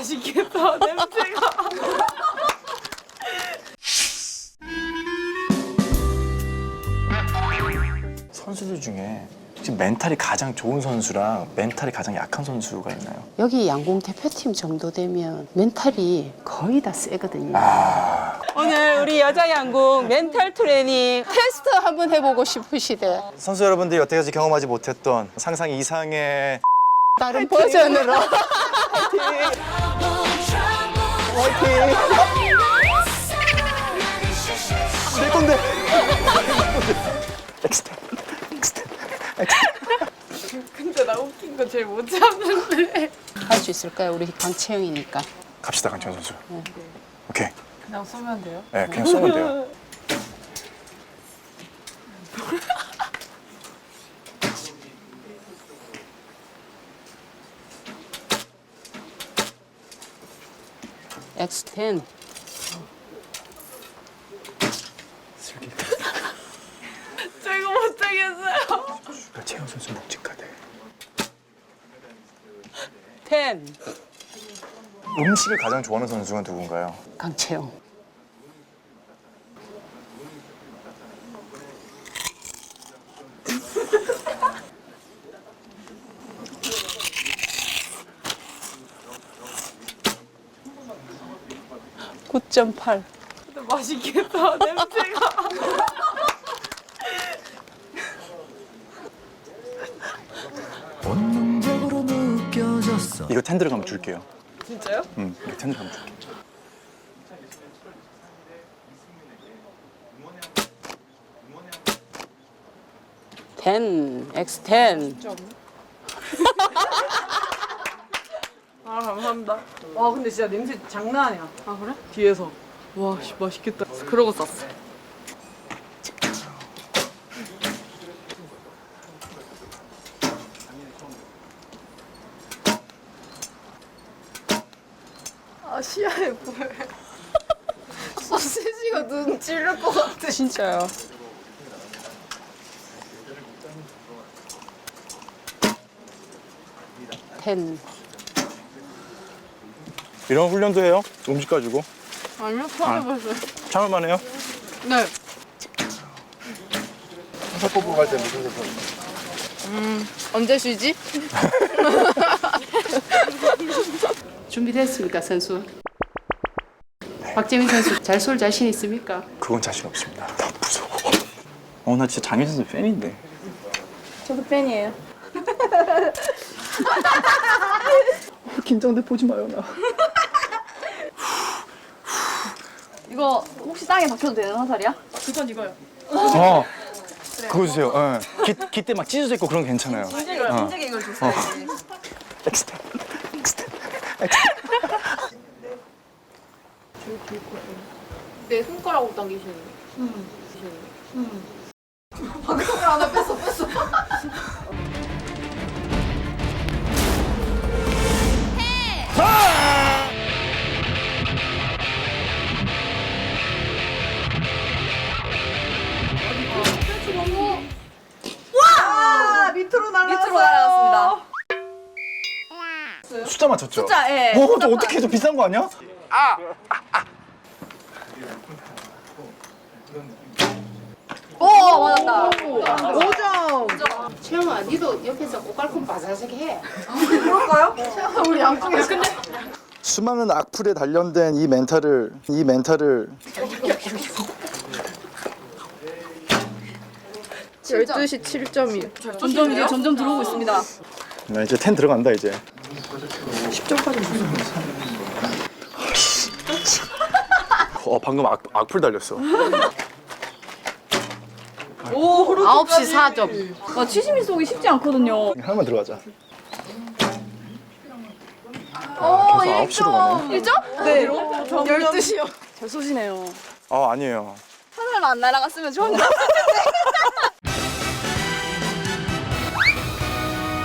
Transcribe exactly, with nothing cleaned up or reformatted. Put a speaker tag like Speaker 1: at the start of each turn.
Speaker 1: 맛있겠다, 냄새가.
Speaker 2: 선수들 중에 지금 멘탈이 가장 좋은 선수랑 멘탈이 가장 약한 선수가 있나요?
Speaker 3: 여기 양궁 대표팀 정도 되면 멘탈이 거의 다 세거든요.
Speaker 2: 아,
Speaker 3: 오늘 우리 여자 양궁 멘탈 트레이닝 테스트 한번 해보고 싶으시대.
Speaker 2: 선수 여러분들이 여태까지 경험하지 못했던 상상 이상의
Speaker 3: 다른 버전으로.
Speaker 2: 될 건데. 엑스텐, 엑스텐, 엑스텐.
Speaker 1: 근데 나 웃긴 거 제일 못 참는데.
Speaker 3: 할 수 있을까요? 우리 강채영이니까.
Speaker 2: 갑시다, 강채영 선수. 오케이.
Speaker 1: 그냥 쏘면 돼요?
Speaker 2: 네, 그냥 쏘면 돼요.
Speaker 3: 엑스 텐.
Speaker 1: 저 이거 못하겠어요.
Speaker 2: 채영 선수 묵직하대.
Speaker 3: 텐.
Speaker 2: 음식을 가장 좋아하는 선수가 누군가요?
Speaker 3: 강채영. 구 점 팔.
Speaker 1: 근데 맛있겠다, 냄새가.
Speaker 4: 본능적으로 느껴졌어.
Speaker 2: 이거 텐 들어가면 줄게요.
Speaker 1: 진짜요?
Speaker 2: 응, 이거 텐 들어가면 줄게.
Speaker 3: 텐. 엑스 텐.
Speaker 1: 아, 감사합니다. 와, 근데 진짜 냄새 장난 아니야. 아, 그래? 뒤에서. 와, 씨, 맛있겠다. 그러고 쌌어. 아, 시야에 보여. 소시지가 눈 찔릴 것 같아.
Speaker 3: 진짜요. 텐.
Speaker 2: 이런 훈련도 해요? 음식 가지고?
Speaker 1: 아니요, 처음 해봤어요.
Speaker 2: 참을만 해요?
Speaker 1: 네.
Speaker 2: 회사 뽑으러 갈 때 무슨 회사?
Speaker 1: 언제 쉬지?
Speaker 3: 준비됐습니까, 선수? 박재민 선수 잘 쏠 자신 있습니까?
Speaker 2: 그건 자신 없습니다. 나 무서워. 어, 나 진짜 장현 선수 팬인데.
Speaker 1: 저도 팬이에요.
Speaker 2: 긴장돼, 보지 마요, 나.
Speaker 5: 이거 혹시 땅에 박혀도 되는 화살이야?
Speaker 1: 그건 이거요.
Speaker 2: 어, 그거 주세요. 예. 기, 기 때 막 찢어져 있고 그런 거 괜찮아요.
Speaker 5: 인재가,
Speaker 2: 어.
Speaker 5: 인재가 이걸 줬어야지.
Speaker 2: 엑스텐, 엑스텐, 엑스텐.
Speaker 1: 내 손가락으로 당기시는 거.
Speaker 5: 방금을 하나 뺐어, 뺐어. 와! 밑으로 날아갔어요. 밑으로 날아갔습니다.
Speaker 2: 숫자 맞췄죠?
Speaker 5: 숫자, 예.
Speaker 2: 어, 저 어떻게 해도 비싼 거 아니야?
Speaker 5: 오, 맞았다.
Speaker 1: 오 점!
Speaker 3: 채영아, 니도 옆에서 꼬깔콘 바사삭 해.
Speaker 5: 그럴까요? 우리 양쪽에. 근데
Speaker 2: 수많은 악플에 단련된 이 멘탈을, 이 멘탈을
Speaker 1: 열두 시 칠 점이요.
Speaker 5: 점점 이제 점점 들어오고 있습니다.
Speaker 2: 나 이제 텐 들어간다 이제.
Speaker 1: 십 점까지
Speaker 2: 어, 방금 악, 악플 달렸어.
Speaker 5: 오, 그렇게.
Speaker 3: 아홉 시 사 점.
Speaker 5: 와, 치즈미 쏘기 쉽지 않거든요.
Speaker 2: 하나만 들어가자.
Speaker 5: 오,
Speaker 2: 계속 아홉 시로 가네.
Speaker 5: 일 점? 네. 열두 시요. 잘 쏘시네요.
Speaker 2: 아, 아니에요.
Speaker 5: 하늘만 안 날아갔으면 좋은데.